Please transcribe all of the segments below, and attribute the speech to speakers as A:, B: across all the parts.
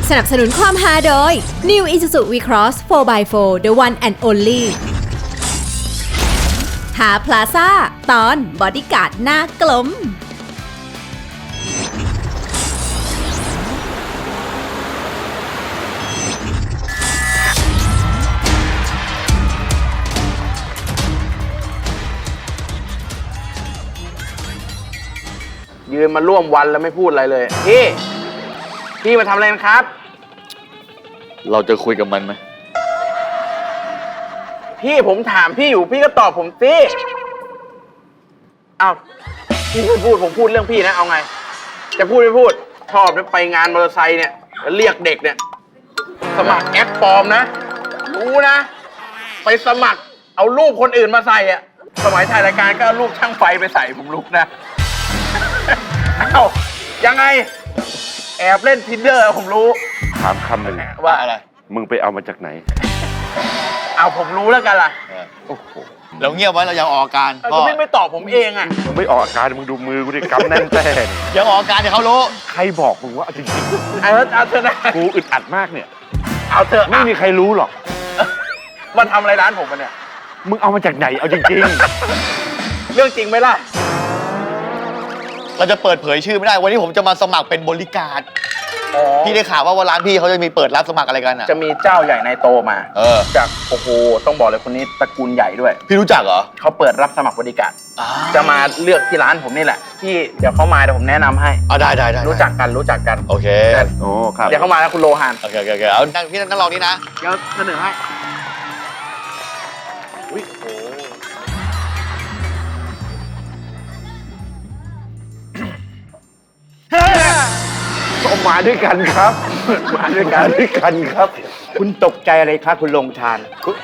A: สนับสนุนความฮาโดย New Isuzu V-Cross 4x4 The One and Only หาพลาซ่าตอนบอดี้การ์ดหน้ากลม
B: ยืนมาร่วมวันแล้วไม่พูดอะไรเลยพี่มาทำอะไรกันครับ
C: เราจะคุยกับมันไหม
B: พี่ผมถามพี่อยู่พี่ก็ตอบผมสิอ้าวพี่ไม่พูดผมพูดเรื่องพี่นะเอาไงจะพูดไม่พูดชอบไปงานมอเตอร์ไซค์เนี่ยแล้วเรียกเด็กเนี่ยสมัครแอปปลอมนะรู้นะไปสมัครเอารูปคนอื่นมาใส่อะสมัยถ่ายรายการก็เอารูปช่างไฟไปใส่ผมลุกนะ เอ้ายังไงแอบเล่น Tinder ผมรู้
D: ถามคำหนึ่ง
B: ว่าอะไร
D: มึงไปเอามาจากไหน
B: เอาผมรู้แล้วกันล่ะ
D: โอ้โห
C: เราเงียบไว้เรายังออกอาการ
B: ก็ไม่ตอบผมเองอ่ะ
D: มึงไม่ออกอาการมึงดูมือกูดิกำแน่นแต้เนี่ย
C: ยังออกอาการเดี๋ยวเขารู้
D: ใครบอกมึงว่าจริง
B: เอาเถอะนะ
D: ๆกูอึดอัดมากเนี่ย
B: เอาเถอะ
D: ไม่มีใครรู้หรอก
B: มันทำอะไรร้านผมมาเนี่ย
D: มึงเอามาจากไหนเอาจริง
B: เรื่องจริงไหมล่ะ
C: เราจะเปิดเผยชื่อไม่ได้วันนี้ผมจะมาสมัครเป็นบริการด
B: อ๋อ
C: พี่ได้ข่าวว่าร้านพี่เขาจะมีเปิดรับสมัครอะไรกันอ่ะ
B: จะมีเจ้าใหญ่ในโตมา จากโอ้โหต้องบอกเลยคนนี้ตระกูลใหญ่ด้วย
C: พี่รู้จักเหรอ
B: เขาเปิดรับสมัครบริการจะมาเลือกที่ร้านผมนี่แหละพี่เดี๋ยวเขามาเดี๋ยวผมแนะนำให้
C: ได้
B: รู้จักกัน
C: โอเค
D: ๆ โอ้ครับ
B: เดี๋ยวเขามาแล้วคุณโลหาน
C: โอเคเอานั่งพี่นั่งรอนี่นะ
B: เดี๋ยวเสนอให้อุ้ยโอ้
D: ก็มาด้วยกันครับ มาด้วยกันครับ
E: คุณตกใจอะไรครับคุณลงทาน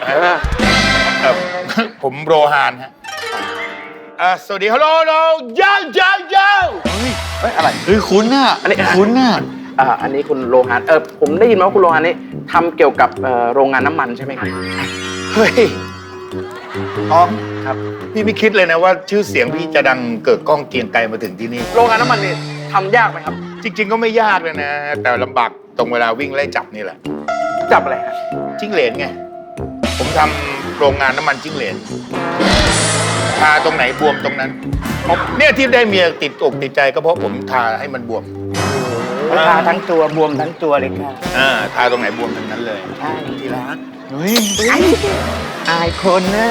F: ผมโรฮานฮะสวัสดีฮัลโหลยา
D: เฮ้ยอะไร
C: เฮ้ยคุ้นน่ะคุ้นน่ะ
B: อันนี้คุณโลหานผมได้ยินมาว่าคุณโลหานนี่ทำเกี่ยวกับโรงงานน้ำมันใช่ไหมครับ
F: เฮ้ยอ๋อครับ พี่ไม่คิดเลยนะว่าชื่อเสียงพี่จะดังเกิดก้องเกรียงไกรมาถึงที่นี่
B: โรงงานน้ำมันนี่ทำยากไหมครับ
F: จริง ๆ ก็ไม่ยากเลยนะ แต่ลำบากตรงเวลาวิ่งไล่จับนี่แหละ
B: จับอะไรฮะ
F: จิ้งเหลนไง ผมทำโรงงานน้ำมันจิ้งเหลนทาตรงไหนบวมตรงนั้นเนี่ยที่ได้เมียติดอกติดใจก็เพราะผมทาให้มันบวม
E: ทาทั้งตัวบวมทั้งตัวเลยค่ะ
F: ทาตรงไหนบวมตรงนั้นเลย
E: ใช่ทีรัก
C: เฮ้ย
E: อายคนนะ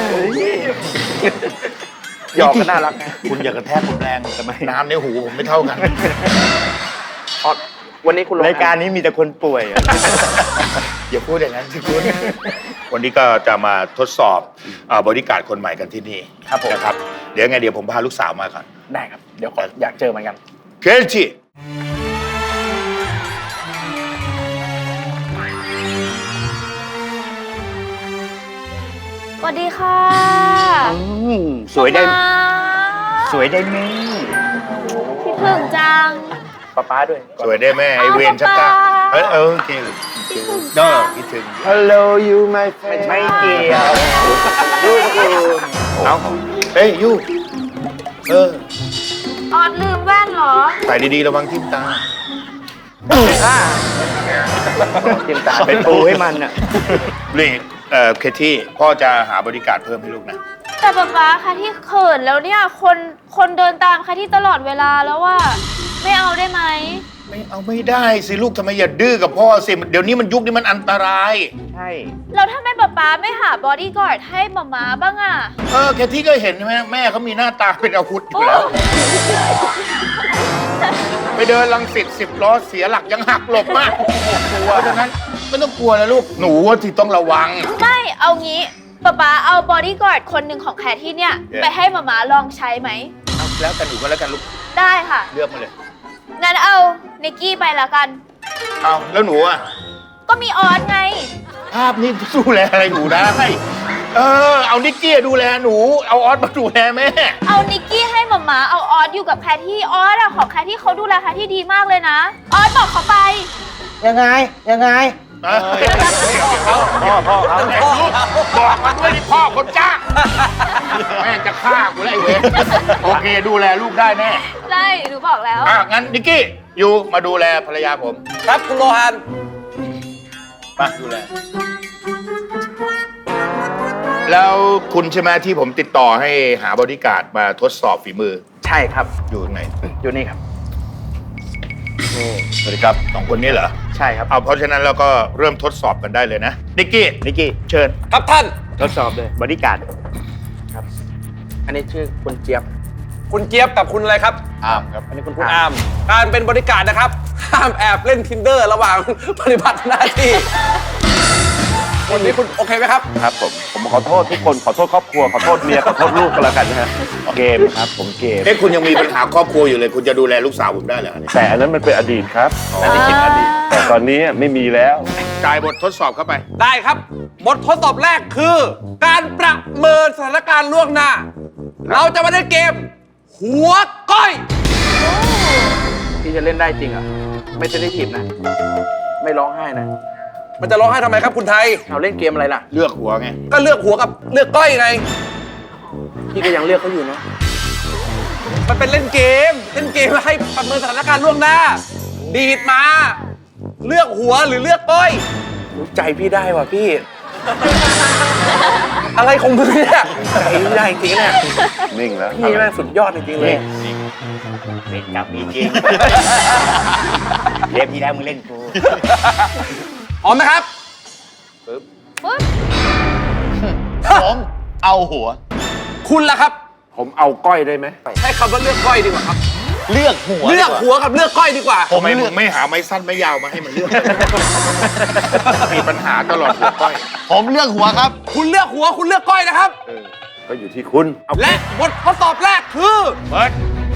B: หยอกก็น่ารักไง
F: คุณอย่ากระแทกผมแรงทำไมน้ำในหูผมไม่เท่ากัน
B: อ๋อวันนี้คุณโลหน
E: รายการนี้มีแต่คนป่วยอะ
F: อย่าพูดอย่างนั้นสิคุณวันนี้ก็จะมาทดสอบบริการดคนใหม่กันที่นี่
B: ครับผม
F: นะครับ เดี๋ยวไงเดี๋ยวผมพาลูกสาวมาก่อน
B: ได้ครับ เดี๋ยวขออยากเจอเหมือนกัน
F: เคจิ
G: สวัสดีค่ะ
E: สวยได้
G: มา
E: สวยได้ไหม
G: คิดถึงจัง
B: ป้าด้วย
F: สวยได้แม่ไอเวนชักกะ
G: ป๊าป๊า
F: โอเคเนอะคิดถึง
E: Hello you my friend ไม่เกี่ยวดูคุณ
F: เอาเฮ้ยยู
G: ออดลืมแว่นเหรอ
F: ใส่ดีๆระวังทิ่มตา
B: จิมตา
E: เป็นปูให้มันอ่ะ
F: นี่เคที่พ่อจะหาบริการดเพิ่มให้ลูกนะ
G: แต่ป๊าค่ะที่เขินแล้วเนี่ยคนเดินตามค่ะที่ตลอดเวลาแล้วว่าไม่เอาได้ไหม
F: ไม่เอาไม่ได้สิลูกทำไมอย่าดื้อกับพ่อสิเดี๋ยวนี้มันยุคนี้มันอันตราย
E: ใช่
G: แล้วทำไมป๊าไม่หาบอดี้การ์ดให้หมาบ้างอ่ะ
F: แค่ที่ก็เห็นใช่ไหมแม่เขามีหน้าตาเป็นอาวุธอยู่แล้ว ไปเดินลังสิต10 ล้อเสียหลักยังหักหลบมากเพราะฉะนั้นไม่ต้องกลัวนะลูกหนูว่าที่ต้องระวัง
G: ไม่เอางี้ป๊าเอาบอดี้การ์ดคนหนึ่งของแคทที่เนี่ย
F: Yeah.
G: ไปให้หมาลองใช้ไหม
F: เอาแล้วกันหนูก็แล้วกันลูก
G: ได้ค่ะ
F: เลือกมาเลย
G: งั้นเอานิกกี้ไปละกัน
F: เอาแล้วหนูอ่ะ
G: ก็มีออสไง
F: ภาพนี้ดูแลอะไรหนูได้เอานิกกี้ดูแลหนูเอาออสมาดูแลแม่
G: เอานิกกี้ให้หมาเอาออสอยู่กับแคทที่ออสอะของแคทที่เขาดูแลแคทที่ดีมากเลยนะ ออสบอกเขาไป
E: ยังไง
F: พ่อบอกมาด้วยนี่พ่อคนจ้างแม่งจะฆ่ากูแล้วไอ้เวรโอเคดูแลลูกได้แน่
G: ได้หนูบอกแล้ว
F: งั้นนิกกี้อยู่มาดูแลภรรยาผม
B: ครับคุณโลหาน
C: มาดูแล
F: แล้วคุณใช่ไหมที่ผมติดต่อให้หาบอดี้การ์ดมาทดสอบฝีมือ
B: ใช่ครับ
F: อยู่ตรงไหน
B: อยู่นี่ครับ
C: สวัสดีครับ
F: สองคนนี้เหรอ
B: ใช่ครับ
F: เอาเพราะฉะนั้นเราก็เริ่มทดสอบกันได้เลยนะนิกกี้
E: นิกกี้
F: เชิญ
E: ครับท่าน ทดสอบเลยบอดี้การ์ด
B: อันนี้ชื่อคุณเจี๊ยบ
E: คุณเจี๊ยบกับคุณอะไรครับ
C: อ้ามครับ
B: อันนี้คุณ
E: คุณ
B: อา
E: อาม การเป็นบริการดนะครับ ห้ามแอบเล่น Tinder ระหว่าง ปฏิบัติหน้าที่วันนี้คุณโอเคไหมครับ
D: ครับผมขอโทษทุกคนขอโทษครอบครัวขอโทษเมียขอโทษลูกก็แล้วกันนะฮะเกมครับผมเกม
F: เอ๊ะคุณยังมีปัญหาครอบครัวอยู่เลย คุณจะดูแลลูกสาวผมได้เหรอ
D: แต่อันนั้นมันเป็นอดีตครับอันนี้คิดอดีตแต่ตอนนี้ไม่มีแล้ว
F: จ่ายบททดสอบเข้าไป
E: ได้ครับ บททดสอบแรกคือ การประเมินสถานการณ์ล่วงหน้า เราจะมาเล่นเกม หัวก้อย
B: พี่จะเล่นได้จริงเหรอ่ะไม่เซนซิทีฟนะ ไม่ร้องไห้นะ
E: มันจะร้องไห้ทำไมครับคุณไทย
B: เอาเล่นเกมอะไรล่ะ
F: เลือกหัวไง
E: ก็เลือกหัวกับเลือกก้อยไง
B: พี่ก็ยังเลือกเขาอยู่นะ
E: มันเป็นเล่นเกมให้ประเมินสถานการณ์ล่วงหน้า ดีดมา เลือกหัวหรือเลือกก้อย
B: รู้ใจพี่ได้ว่ะพี่
E: อะไรของมึงเนี่ย
B: ใจพี่ได้จริงๆเนี่ย
D: นิ่งแล้ว
B: พี่แม่งสุดยอดจริงๆเลย
C: เล่นจับมีจริงเล่นพี่แล้วมึงเล่นกู
E: พร้อมนะครับ
C: ผมเอาหัว
E: คุณล่ะครับ
D: ผมเอาก้อยได้ไหม
E: ใช้คำว่าเลือกก้อยดีกว่าครับ
C: เลือกหัว
E: เลือกหัวกับเลือกก้อยดีกว่า
F: ทำไมมึงไม่หาไม้สั้นไม้ยาวมาให้มันเลือก มีปัญหาตลอดหัวก้อย
C: ผมเลือกหัวครับ
E: คุณเลือกหัวคุณเลือกก้อยนะครับ
D: ก็อยู่ที่คุณเอา
E: และบททดสอบแรกคือ
F: เปิด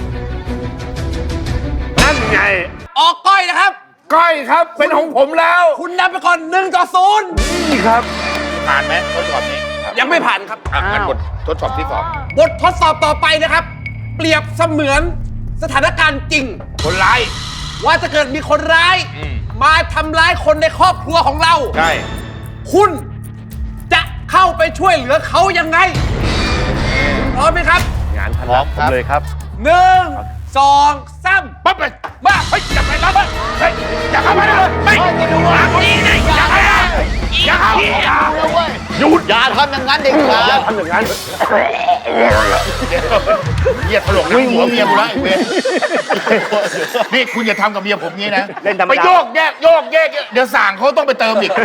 D: นั่นไง
E: ออกก้อยนะครับ
D: ก้อยครับเป็นของผมแล้ว
E: คุณนำไปก่อน1-0
D: นี่ครับ
F: ผ่านไหมทดสอบนี้
E: ยังไม่ผ่านครับ
F: อ่ะงั้นบททดสอบที่สอง
E: บททดสอบต่อไปนะครับ เปรียบเสมือนสถานการณ์จริง
F: คนร้าย
E: ว่าจะเกิดมีคนร้าย มาทำร้ายคนในครอบครัวของเรา
F: ใช่
E: คุณจะเข้าไปช่วยเหลือเขายังไงพร้อมไหมครับ
D: งานถนัดผมเลยครับ
E: 1 2 3
F: ปั๊บไปมาเฮ้ยอย่าไปรับมันเฮ้ยอย่าเข้ามาเลยไม่หลังนี้นะอย่าเข้ามาอย่าเข้ามา
C: หยุดอย่าทำอย่างนั้นเด็กขาด
D: ทำอย่างนั้น
F: เหี้ยถลกหนังหัวเมียกูแล้วไอ้เวรนี่คุณอย่าทำกับเมียผมงี้นะ
E: เล่นธรรมดา
F: ไปโยกแยกเดี๋ยวสั่งเขาต้องไปเติมอีก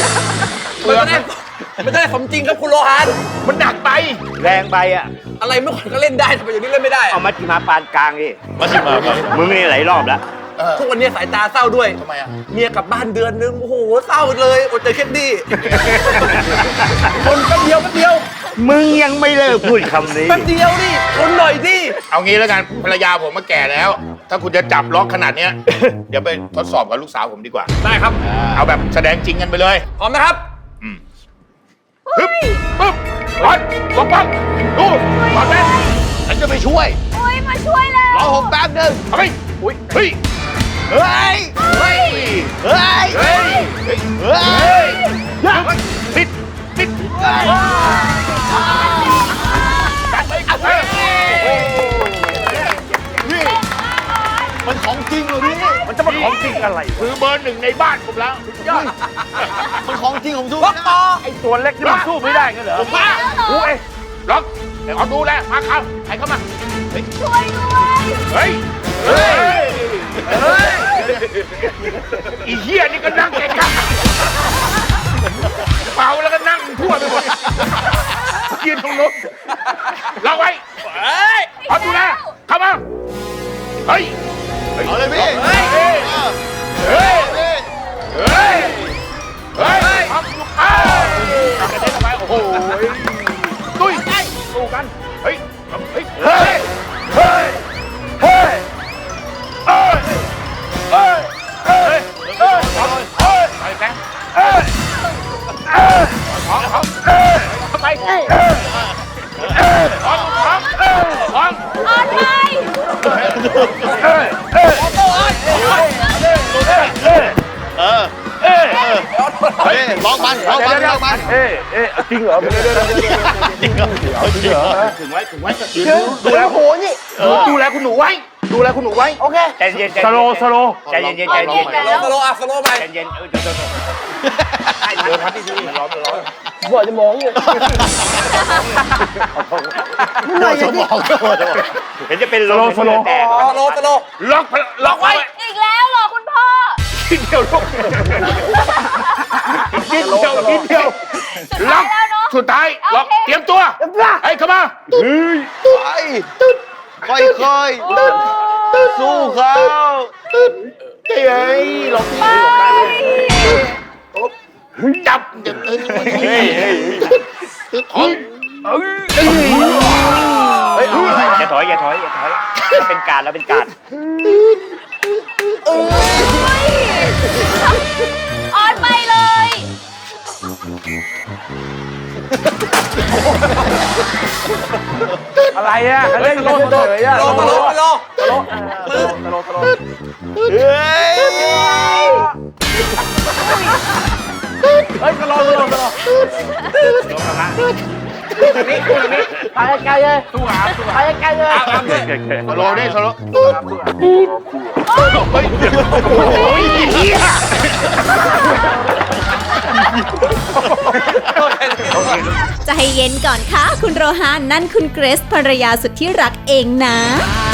E: มันจะได้สมจริงครับคุณโลหาน
F: มันหนักไป
E: แรงไปอะอะไรเมื่อก่อนก็เล่นได้ทำไมอย่างนี้เล่นไม่ได้
H: เอามัดที่มาปานกลางดิ
C: มาสิมามา
H: มึงนี่หลายรอบแล้ว
E: ทุกวันนี้สายตาเศร้าด้วย
F: ทำไมอ่ะ
E: เมียกลับบ้านเดือนนึง โอ้โห เศร้าเลยอดใจแค่นี้คนแป๊บเดียว
H: มึงยังไม่เลิกพูดคำนี้
E: แป๊บเดียวดิคนหน่อยดิ
F: เอางี้แล้วกันภรรยาผมมาแก่แล้ว ถ้าคุณจะจับล็อกขนาดเนี้ย เดี๋ยวไปทดสอบกับลูกสาวผมดีกว่า
E: ได้ครับ
F: เอาแบบแสดงจริงกันไปเลย
E: พร้อมนะครับ
F: ฮึบปึ๊บปัดลงปังดูปัดแม่
C: ฉันจะไปช่วย
G: โอ้ยมาช่วยแล้ว
C: รอผมแป๊บหนึง
F: เอาไปอุ้ยเฮ้ย
C: เฮ้ย
F: เฮ้ย
C: เฮ้ย
F: เฮ้ย
C: เฮ้ย
F: ติดจัดไปเฮ้ย
C: นี่มันของจริงเหรอพี่
D: มันจะมาของจริงอะไร
F: คือเบอร์หนึ่งในบ้านผมแล้ว
C: มันของจริงผมสู้
E: ล็อก
C: ไม่
E: ต่
C: ได้
E: อ
D: ไอ้ตัวเล็กนี่มันสู้ไม่ได้กันเหรอ
F: ผมมา
D: กูเอง
F: ล็อกเดี๋ยวเอาดูแลมาเข้าใครเข้ามา
G: ช่วยด้วย
F: เฮ้ย เฮ้ย เฮ้ยอีเหี้ยนี่ก็นั่งเก่งครับเมาแล้วก็นั่งทั่วไปหมดยืนตรงนู้นล็อกไว้เอาดูแลเข้ามา เฮ้ย
C: เอาเลยพี่
F: เฮ้ย เฮ้ย เฮ้ย เฮ้ยทำอยู่อ้าวกระเด็นออกไปโอ้โหตุ้ยสู้กัน เฮ้ย เฮ้ย เฮ้ย เฮ้ย เฮ้ย เฮ้ย เฮ้ย เฮ้ย เฮ้ย เฮ้ยไปแกเฮ้ยของเฮ้ยไปของ
G: ออนไป
C: เฮ้ยร้องมันร้องมันร้องมัน
D: เอ๊ะจริงเหรอ
C: จริงเหรอจริงเหรอ
F: ถึงไว้ดูแลโหนี่ดูแลคุณหนูไว้ ดูดูแลคุณหนูไว้ โอเค
C: ใจเย็นใจ
D: ส
C: เย็น
D: โลว์สโลว์
C: ใจเย็นใจเย็นใจ
E: ส
C: เย็น
E: โลว์อ่ะสโลว์ไป
C: ใจเย็นเดี๋ยว
F: เดินพัดดีๆมันร้อนมันร้อน
B: บ่จะมองอยู่
F: หน่อยสมอง
C: เห็นจะเป็น
D: สโลว์สโลว์
C: แตก
E: สโลว์สโลว์
F: ล็อกไว้
G: อีกแล้วเหรอคุณพ่อ
F: นิดเดียวลูกนิดเดียวนิดเดียว
G: สุด
F: ล็
G: ท้า
F: อย ก
G: แล้วเนาะ
F: สุดท้ายล็อก
G: โอเค
F: เตรียมตัวเฮ้ยเข้ามา
H: ค่อยๆสู้เขา
F: เฮ้ยล็อกที่
G: ไป
F: จับท้องเฮ้ยเอาไง
C: อย่าถอยอย่าถอยอย่าถอยเราเป็นการเราเป็นการ
G: ออนไปเลย
D: อะไรอ่ะเล่นกันเฉยๆอ่ะ
E: สโลว์สโลว์สโลว์
D: เฮ้ยสโลว์สโลว์สโลว์
B: ไปไกลเลยไปไกลเลย
E: ตามด้วย
F: สโลว์ได้สโลว์
A: ใจเย็นก่อนค่ะ คุณโรฮานนั่นคุณเกรซภรรยาสุดที่รักเองนะ
F: เ